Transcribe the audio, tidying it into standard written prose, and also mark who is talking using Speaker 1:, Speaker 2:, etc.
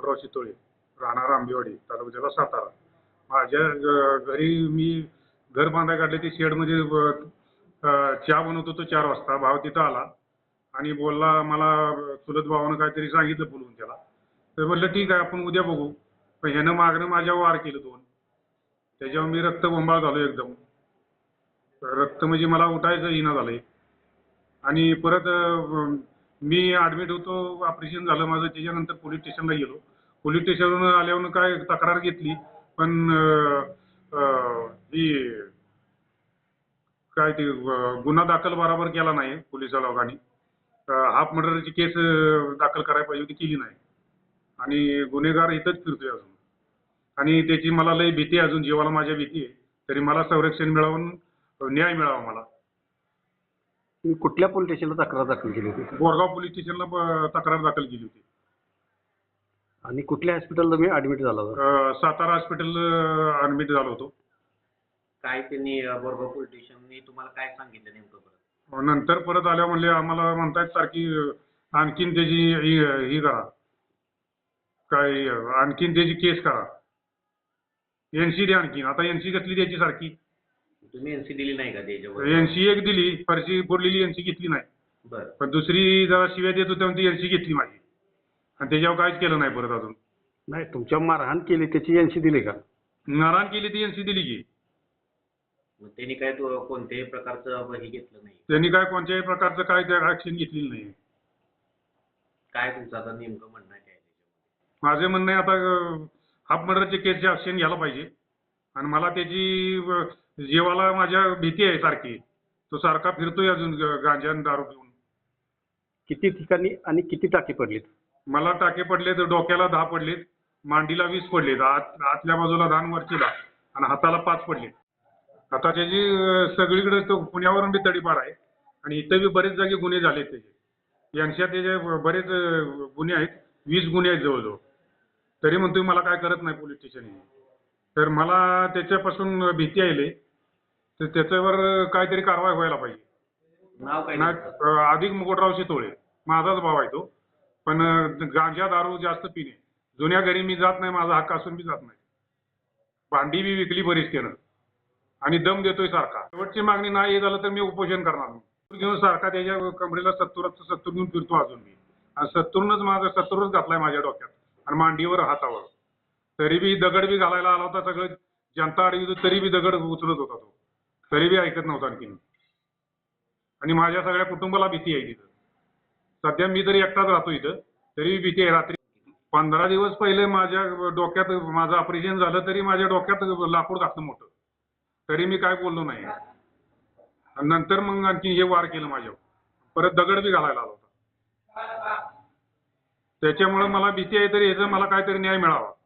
Speaker 1: गोटराव शितोळे, राहणार आंबेवाडी, तालुका जिल्हा सातारा. माझ्या घरी मी घर बांधायला काढले ते शेडमध्ये चहा बनवत होतो 4 वाजता. भाव तिथं आला आणि बोलला, मला चुलत भावानं काहीतरी सांगितलं बोलवून त्याला. तर म्हटलं ठीक आहे आपण उद्या बघू. पण ह्यानं मागणं माझ्यावर वार केलं 2. त्याच्यावर मी रक्तबंबाळ झालो एकदम. रक्त म्हणजे मला उठायचं येईना झालंय. आणि परत मी ॲडमिट होतो, ऑपरेशन झालं माझं. त्याच्यानंतर पोलीस स्टेशनला गेलो. पोलीस स्टेशनवरून आल्यावर काय तक्रार घेतली, पण ही काय ते गुन्हा दाखल बरोबर केला नाही पोलीस लोकांनी. हाफ मर्डरची केस दाखल करायला पाहिजे होती, केली नाही. आणि गुन्हेगार इथंच फिरतोय अजून. आणि त्याची मला लई भीती आहे, अजून जीवाला माझ्या भीती आहे. तरी मला संरक्षण मिळावं, न्याय मिळावा मला.
Speaker 2: तुम्ही कुठल्या पोलीस स्टेशनला तक्रार दाखल केली होती?
Speaker 1: बोरगाव पोलीस स्टेशनला तक्रार दाखल केली होती.
Speaker 2: आणि कुठल्या हॉस्पिटलला तुम्ही ऍडमिट झाला होता?
Speaker 1: सातारा हॉस्पिटल ऍडमिट झालो होतो.
Speaker 3: काय त्यांनी बोरगाव पोलीस स्टेशननी तुम्हाला काय सांगितलं नेमकं परत?
Speaker 1: नंतर परत आल्या म्हणले आम्हाला म्हणतायत सारखी आणखीन त्याची ही करा, काय आणखीन त्याची केस करा, एनसी द्या आणखीन. आता एनसी कसली द्यायची सारखी?
Speaker 3: तुम्ही एनसी दिली नाही का त्याच्यावर?
Speaker 1: एनसी एक दिली, फरशी फोडलेली एनसी घेतली नाही.
Speaker 3: बरं.
Speaker 1: पण दुसरी जरा शिव्या देत होत्या ती एनसी घेतली माझी. आणि त्याच्यावर काहीच केलं नाही परत अजून.
Speaker 2: नाही, तुमच्या मारहाण केली त्याची एनसी दिली का?
Speaker 1: नारायण केली ती एनसी दिली की.
Speaker 3: मग त्यांनी काय कोणत्याही प्रकारचं हे घेतलं नाही?
Speaker 1: त्यांनी काय कोणत्याही प्रकारचं काय ऍक्शन घेतलेली नाही.
Speaker 3: काय तुमचं आता नेमकं म्हणणं आहे काय त्याच्यामध्ये?
Speaker 1: माझे म्हणणं आहे आता हाफ मर्डरचे केसचे ऍक्शन घ्यायला पाहिजे. आणि मला त्याची जीवाला माझ्या भीती आहे सारखी. तो सारखा फिरतोय अजून गांजा आणि दारू पिऊन.
Speaker 2: किती ठिकाणी आणि किती टाके पडलेत?
Speaker 1: मला टाके पडलेत, डोक्याला 10 पडलेत, मांडीला 20 पडलेत, आतल्या बाजूला 10 वरचीला, आणि हाताला 5 पडलेत. आता त्याची सगळीकडे तो पुण्यावरून बी तडीपार आहे. आणि इथं बी बरेच जागी गुन्हे झालेत त्याचे. यांच्या त्याचे बरेच गुन्हे आहेत, 20 गुन्हे आहेत जवळजवळ. तरी म्हणतोय मला काय करत नाही पोलीस स्टेशन. तर मला त्याच्यापासून भीती आहे. तर त्याच्यावर काहीतरी कारवाई व्हायला पाहिजे.
Speaker 3: नाव काय?
Speaker 1: अधिक गोटराव शितोळे, माझाच भाव आहे तो. पण गांजा दारू जास्त पिणे. जुन्या घरी मी जात नाही, माझा हक्क असून मी जात नाही. भांडी बी विकली बरीच त्यानं. आणि दम देतोय सारखा. शेवटची मागणी नाही हे झालं तर मी उपोषण करणार. घेऊन सारखा त्याच्या कमरेला 70 घेऊन फिरतो अजून मी. आणि 70नच माझा 70च घातलाय माझ्या डोक्यात आणि मांडीवर, हातावर. तरी बी दगड बी घालायला आला होता. सगळं जनता अडवी होती तरी बी दगड उचलत होता तो. तरी बी ऐकत नव्हता आणखीन. आणि माझ्या सगळ्या कुटुंबाला भीती आहे तिथं. सध्या मी तरी एकटाच राहतो इथं, तरी भीती आहे. रात्री 15 दिवस पहिले माझ्या डोक्यात माझं ऑपरेशन झालं तरी माझ्या डोक्यात लाकूड घातलं मोठं. तरी मी काय बोललो नाही. आणि नंतर मग आणखी हे वार केलं माझ्यावर. परत दगड बी घालायला आला होता. त्याच्यामुळे मला भीती आहे, तरी ह्याचा मला काहीतरी न्याय मिळावा.